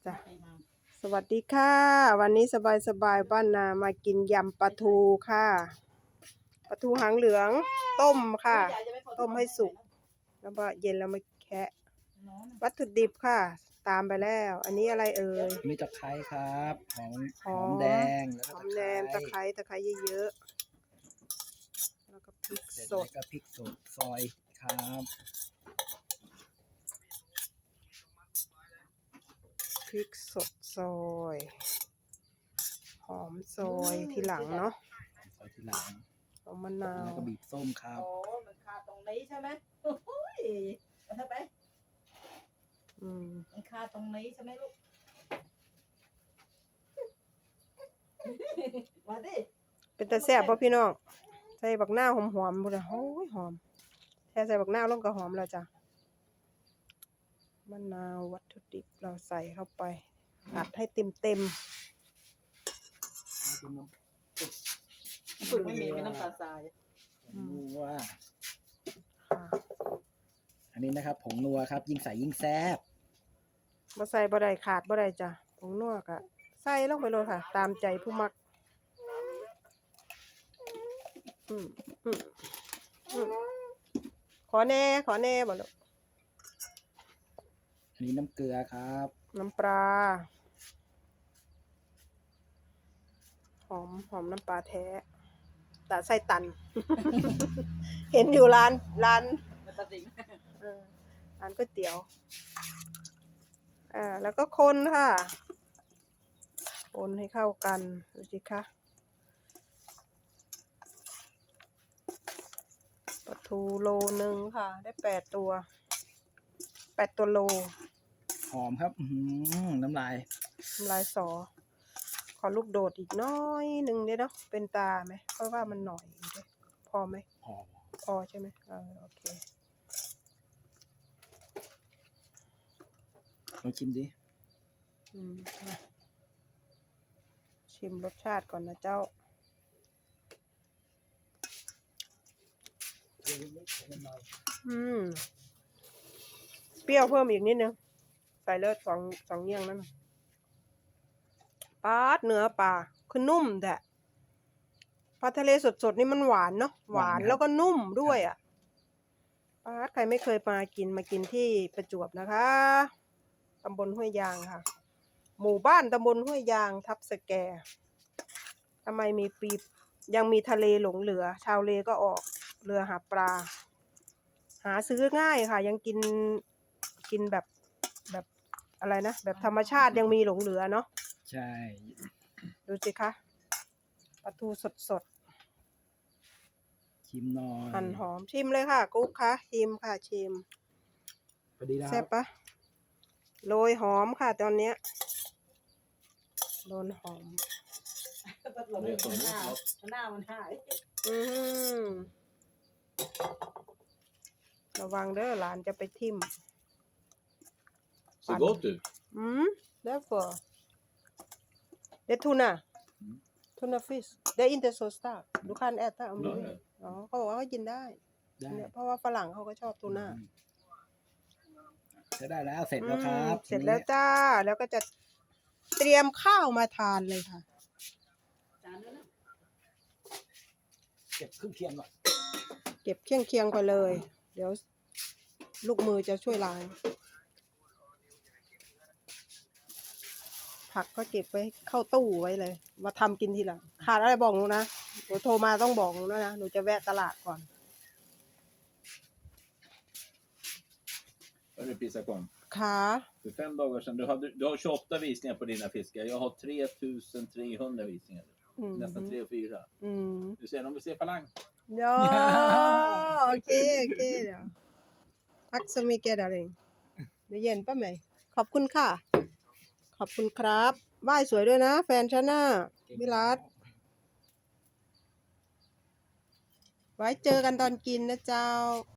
จ้ะสวัสดีค่ะ วันนี้สบายบ้านนามากินยำปลาทูค่ะปลาทูหางเหลืองต้มค่ะ ต้มให้สุกแล้วก็เย็นแล้วมาแคะวัตถุดิบค่ะ ตามไปแล้ว อันนี้อะไรเอ่ยมีตะไคร้ครับหอมแดงแล้วหก็อมแดงตะไคร้เยอะๆแล้วก็พริกเสร็จสแล้วดก็พริกสดซอยครับพริกสดซอยหอมซอยทีหลังเนาะซอยทีหลังเอามะนาวแล้วก็บีบส้มครับโอ้มันคาตรงนี้ใช่ไหมโอ้ยมาเถอะไปมันคาตรงนี้ใช่ไหมลูก มาดิเป็นตาแซ่บป่ะพี่น้องใส่บักหน้าวหอมๆบุญโอ้ยหอมแค่ใส่บักหน้าวลงก็หอมแล้วจ้ะมะนาววัตถุดิบเราใส่เข้าไปอัดให้เต็มฝึกไม่มีน้ำตาลทรายนัวๆค่ะอันนี้นะครับผงนัวครับ ยิ่งใส่ยิ่งแซ่บบ่ใส่บ่ได้ขาดบ่ได้จ้ะผงนัวก็ใส่ลงไปเลยค่ะ ตามใจผู้มักอืมอืมขอแน่บ่ลูกอันนี้น้ำเกลือครับน้ำปลาหอมน้ำปลาแท้แต่ใส่ตัน เห็นอยู่ร้านมันตัดสินร้านก๋วยเตี๋ยวแล้วก็คนค่ะคนให้เข้ากันดูสิคะปลาทูโลนึงค่ะ ได้8 ตัวโลหอมครับน้ำลายลายสอขอลูกโดดอีกน้อยหนึ่งเนาะเป็นตาไหมเพราะว่ามันหน่อยด้วยพอไหม พอใช่ไหมโอเคลองชิมดิมาชิมรสชาติก่อนนะเจ้าเปรี้ยวเพิ่มอีกนิดนึงใส่เลือดสองเยี่ยงนั่นปลาเนื้อปลาคือนุ่มแต่ปลาทะเลสดๆนี่มันหวานเนาะหวานแล้วก็นุ่มด้วยอ่ะปลาใครไม่เคยมากินที่ประจวบนะคะตำบลห้วยยางค่ะหมู่บ้านตำบลห้วยยางทับสแกทำไมมีปียังมีทะเลหลงเหลือชาวเลก็ออกเรือหาปลาหาซื้อง่ายค่ะยังกินแบบอะไรนะแบบธรรมชาติยังมีหลงเหลือเนาะใช่ดูสิคะปลาทูสดชิมหน่อยหั่นหอมชิมเลยค่ะกุ๊กคะชิมค่ะชิมพอดีแล้วแซ่บปะโรยหอมค่ะตอนเนี้ยโดนหอมตัดหลงหน้ามันหายระวังเด้อหลานจะไปทิ่ม Ser gott ut. därför det är tuna fish det är inte så starkt du kan äta om du vill อ๋อเขาบอกว่าเขากินได้ได้เนี่ยเพราะว่าฝรั่งเขาก็ชอบทูน่าจะได้แล้วเสร็จแล้วครับเสร็จแล้วจ้าแล้วก็จะเตรียมข้าวมาทานเลยค่ะจานนั้นนะเก็บเครื่องเคียงก่อนเก็บเคียงไปเลย เดี๋ยวลูกมือจะช่วยล้างผักก็เก็บไว้เข้าตู้ไว้เลยมาทำกินทีหลังขาดอะไรบอกหนูนะหนูโทรมาต้องบอกหนูนะหนูจะแวะตลาดก่อน Hörru Pissakon. ขา För 5 dagar sedan, du har 28 visningar på dina fiskar. Jag har 3300 visningar. Nästan 3 och 4. Du ser, de vill se falang. ย่อโอเคเดี๋ยวทักสมิเกดอะไรเดี๋ยวเย็นป้าไหมขอบคุณค่ะ ขอบคุณครับไหว้สวยด้วยนะ แฟนฉันน่ะวิรัตไว้เจอกันตอนกินนะเจ้า